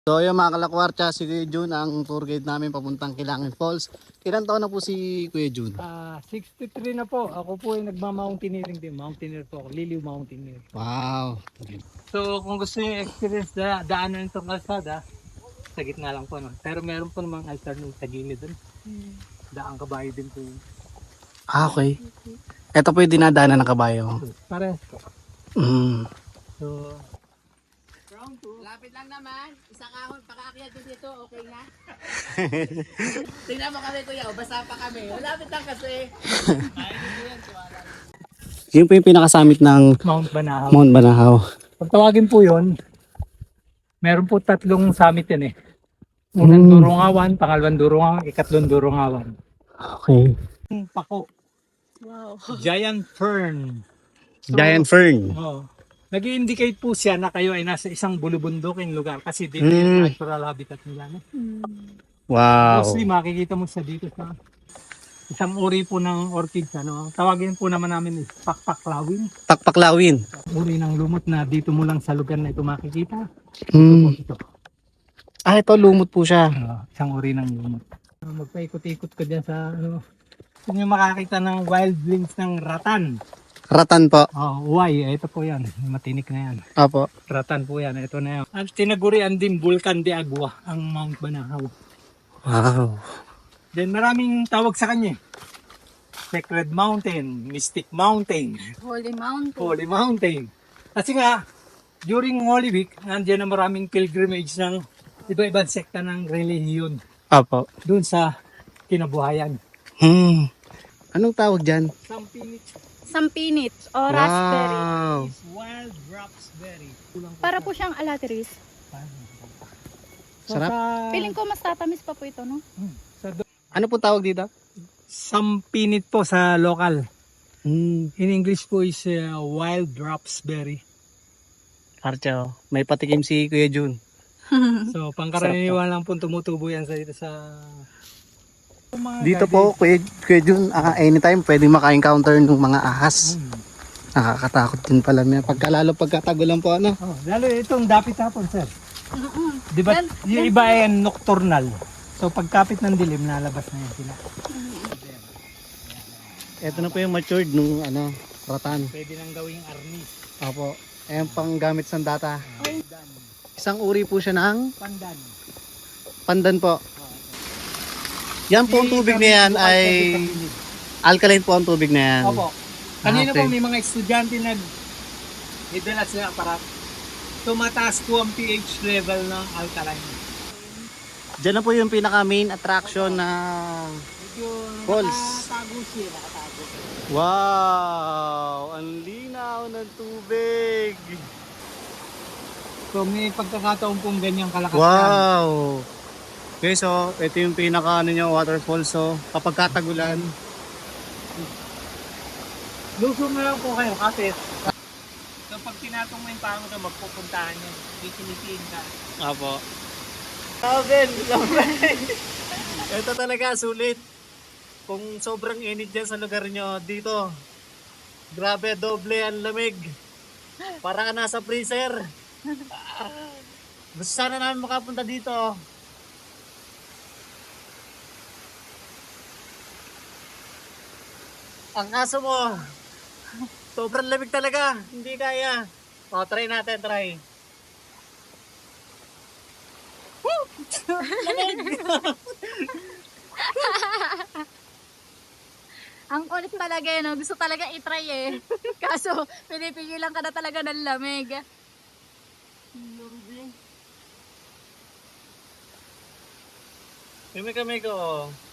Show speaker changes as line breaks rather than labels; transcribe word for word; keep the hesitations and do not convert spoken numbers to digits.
So yung mga kalakwarcha, si Kuya Jun ang tour guide namin papuntang Kilangin Falls. Ilan taon na po si Kuya Jun?
Ah, sixty-three na po. Ako po ay nagma-mountaineering din. Mountaineer po ako. Liliw Mountaineer.
Wow.
So kung gusto niyo experience na daanan itong kalsada, sa gitna lang po. No? Pero meron po namang alternate sa gilid dun. Daang kabayo din po yun.
Ah, okay. Ito po yung dinadaanan ng kabayo.
Parehas po.
Mm.
So,
Lapit lang naman. Isang ahon, pakaakyat din dito, okay na? Tingnan mo kami kuya, o, basa pa kami. Malapit lang kasi.
Yun po yung pinakasamit ng
Mount Banahaw.
Mount Banahaw.
Pag tawagin po yun, meron po tatlong summit yan eh. Unang
Mm.
Durungawan, pangalawang Durungawan, ikatlong Durungawan.
Okay.
Pako.
Wow.
Giant Fern. So,
Giant Fern.
Oo. Nag-i-indicate po siya na kayo ay nasa isang bulubundukin lugar kasi dito
Mm.
yung natural habitat nila. No?
Wow.
Mostly makikita mo siya dito sa isang uri po ng orchids. Ano? Tawagin po naman namin is pakpaklawin.
Takpaklawin.
Uri ng lumot na dito mo lang sa lugar na ito makikita. Ito po
Mm.
ito.
Ah, ito lumot po siya.
Ah, isang uri ng lumot. Ah, magpaikot-ikot ka dyan sa ano. Kung yung makakita ng wild blings ng ratan.
Ratan po.
Oh, why? Ito po yan. Matinik na yan.
Apo.
Ratan po yan. Ito na yan. At tinagurian din Vulcan de Agua ang Mount Banahaw.
Wow.
Then maraming tawag sa kanya. Sacred Mountain, Mystic Mountain,
Holy Mountain.
Holy Mountain. Kasi nga, during Holy Week, nandiyan na maraming pilgrimage ng iba-ibang sekta ng relihiyon
Apo.
doon sa kinabuhayan.
Hmm. Anong tawag dyan?
Sampinit
Sampinit o raspberry.
Wow.
is wild raspberry. Kulang
Para po siyang alateris.
So,
Sarap.
Sa,
Feeling ko mas tatamis pa po ito, no?
sa do-
Ano po tawag dito?
Sampinit po sa local.
Hmm.
In English po is uh, wild raspberry.
Archo, may patikim si Kuya Jun.
So, pangkaraniwan lang po tumutubo yan sa dito sa... Mga
Dito
guide-
po, Kuya, Kuya Jun, ah, anytime pwedeng maka-encounter ng mga ahas.
Hmm.
Nakakatakot din pala niya. Pagkalalo pagkatagulan po, ano?
Oh, lalo itong dapit hapon, sir.
Mm-mm.
Di ba?
Yan-
Yung iba ay nocturnal. So, pagkapit ng dilim, nalabas na yan sila.
Ito na po yung matured nung ano, ratan.
Pwede nang gawing arnis.
Opo. Ayan pang gamit sa data.
Pandan.
Isang uri po siya ng
Pandan.
pandan po. Yan po ang tubig na yan ay alkaline po ang tubig na yan.
Opo. Kanina
Ah, okay.
po may mga estudyante nag idala sila aparat. Tumataas po ang pH level ng alkaline.
Diyan na po yung pinaka main attraction na
Medyo
Falls.
nakatago siya, nakatago.
wow! Ang linaw ng tubig.
So may pagkakataon pong ganyang kalakas yan.
Wow! Okay, so ito yung pinaka ano nyo, waterfall. So kapag katagulan,
Lusong na lang po kayo kasi so pag tinatong mo yung pango na magpupuntahan niya, kikinitiin ka.
apo. Alvin, ito talaga sulit. Kung sobrang init dyan sa lugar nyo, dito, grabe, doble ang lamig. Para ka nasa freezer. Gusto sana namin makapunta dito. Ang kaso mo, sobrang lamig talaga. Hindi kaya. O, try natin, try.
Ang kulit talaga eh, no? Gusto talaga itry eh. Kaso, pinipigilan ka na talaga ng lamig.
Kami kami ko.